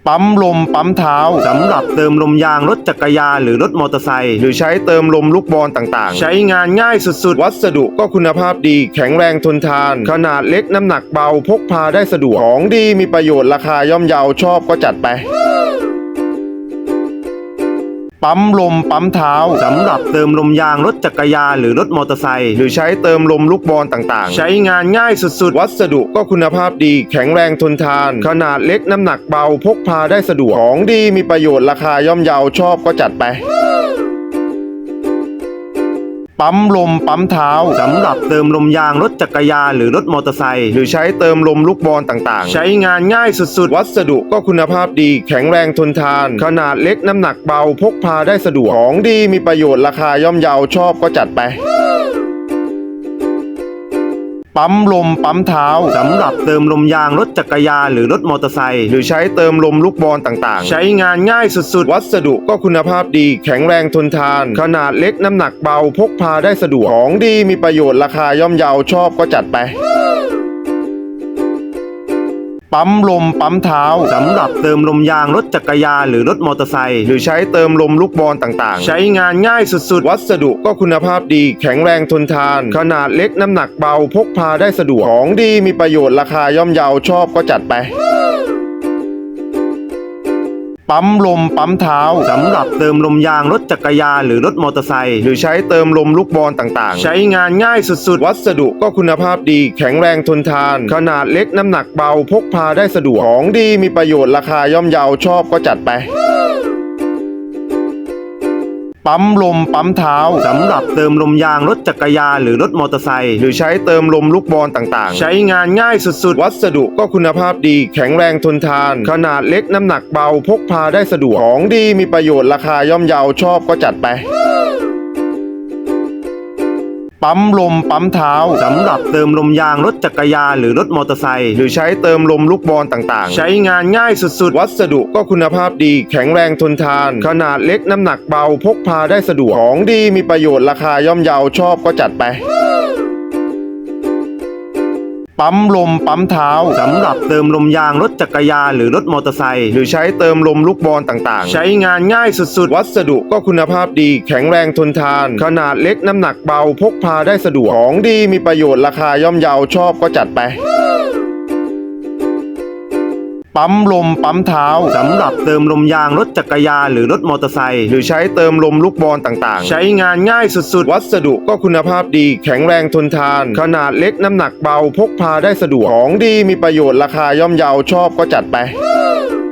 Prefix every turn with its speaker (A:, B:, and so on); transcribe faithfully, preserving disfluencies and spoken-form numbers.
A: ปั๊มลมปั๊มเท้าสำหรับเติมลมยางรถจักรยานหรือรถมอเตอร์ไซค์หรือใช้เติมลมลูกบอลต่างๆใช้งานง่ายสุดๆวัสดุก็คุณภาพดีแข็งแรงทนทานขนาดเล็กน้ำหนักเบาพกพาได้สะดวกของดีมีประโยชน์ราคาย่อมเยาชอบก็จัดไปปั๊มลมปั๊มเท้าสำหรับเติมลมยางรถจักรยานหรือรถมอเตอร์ไซค์หรือใช้เติมลมลูกบอลต่างๆใช้งานง่ายสุดๆวัสดุก็คุณภาพดีแข็งแรงทนทานขนาดเล็กน้ำหนักเบาพกพาได้สะดวกของดีมีประโยชน์ราคาย่อมเยาชอบก็จัดไปปั๊มลมปั๊มเท้าสำหรับเติมลมยางรถจักรยานหรือรถมอเตอร์ไซค์หรือใช้เติมลมลูกบอลต่างๆใช้งานง่ายสุดๆวัสดุก็คุณภาพดีแข็งแรงทนทานขนาดเล็กน้ำหนักเบาพกพาได้สะดวกของดีมีประโยชน์ราคาย่อมเยาชอบก็จัดไปปั๊มลมปั๊มเท้าสำหรับเติมลมยางรถจักรยานหรือรถมอเตอร์ไซค์หรือใช้เติมลมลูกบอลต่างๆใช้งานง่ายสุดๆวัสดุก็คุณภาพดีแข็งแรงทนทานขนาดเล็กน้ำหนักเบาพกพาได้สะดวกของดีมีประโยชน์ราคาย่อมเยาชอบก็จัดไปปั๊มลมปั๊มเท้าสำหรับเติมลมยางรถจักรยานหรือรถมอเตอร์ไซค์หรือใช้เติมลมลูกบอลต่างๆใช้งานง่ายสุดๆวัสดุก็คุณภาพดีแข็งแรงทนทานขนาดเล็กน้ำหนักเบาพกพาได้สะดวกของดีมีประโยชน์ราคาย่อมเยาชอบก็จัดไปปั๊มลมปั๊มเท้าสำหรับเติมลมยางรถจักรยานหรือรถมอเตอร์ไซค์หรือใช้เติมลมลูกบอลต่างๆใช้งานง่ายสุดๆวัสดุก็คุณภาพดีแข็งแรงทนทานขนาดเล็กน้ำหนักเบาพกพาได้สะดวกของดีมีประโยชน์ราคาย่อมเยาชอบก็จัดไปปั๊มลมปั๊มเท้าสำหรับเติมลมยางรถจักรยานหรือรถมอเตอร์ไซค์หรือใช้เติมลมลูกบอลต่างๆใช้งานง่ายสุดๆวัสดุก็คุณภาพดีแข็งแรงทนทานขนาดเล็กน้ำหนักเบาพกพาได้สะดวกของดีมีประโยชน์ราคาย่อมเยาชอบก็จัดไปปั๊มลมปั๊มเท้าสำหรับเติมลมยางรถจักรยานหรือรถมอเตอร์ไซค์หรือใช้เติมลมลูกบอลต่างๆใช้งานง่ายสุดๆวัสดุก็คุณภาพดีแข็งแรงทนทานขนาดเล็กน้ำหนักเบาพกพาได้สะดวกของดีมีประโยชน์ราคาย่อมเยาชอบก็จัดไปปั๊มลมปั๊มเท้าสำหรับเติมลมยางรถจักรยานหรือรถมอเตอร์ไซค์หรือใช้เติมลมลูกบอลต่างๆใช้งานง่ายสุดๆวัสดุก็คุณภาพดีแข็งแรงทนทานขนาดเล็กน้ำหนักเบาพกพาได้สะดวกของดีมีประโยชน์ราคาย่อมเยาชอบก็จัดไปปั๊มลมปั๊มเท้าสำหรับเติมลมยางรถจักรยานหรือรถมอเตอร์ไซค์หรือใช้เติมลมลูกบอลต่างๆใช้งานง่ายสุดๆวัสดุก็คุณภาพดีแข็งแรงทนทานขนาดเล็กน้ำหนักเบาพกพาได้สะดวกของดีมีประโยชน์ราคาย่อมเยาชอบก็จัดไป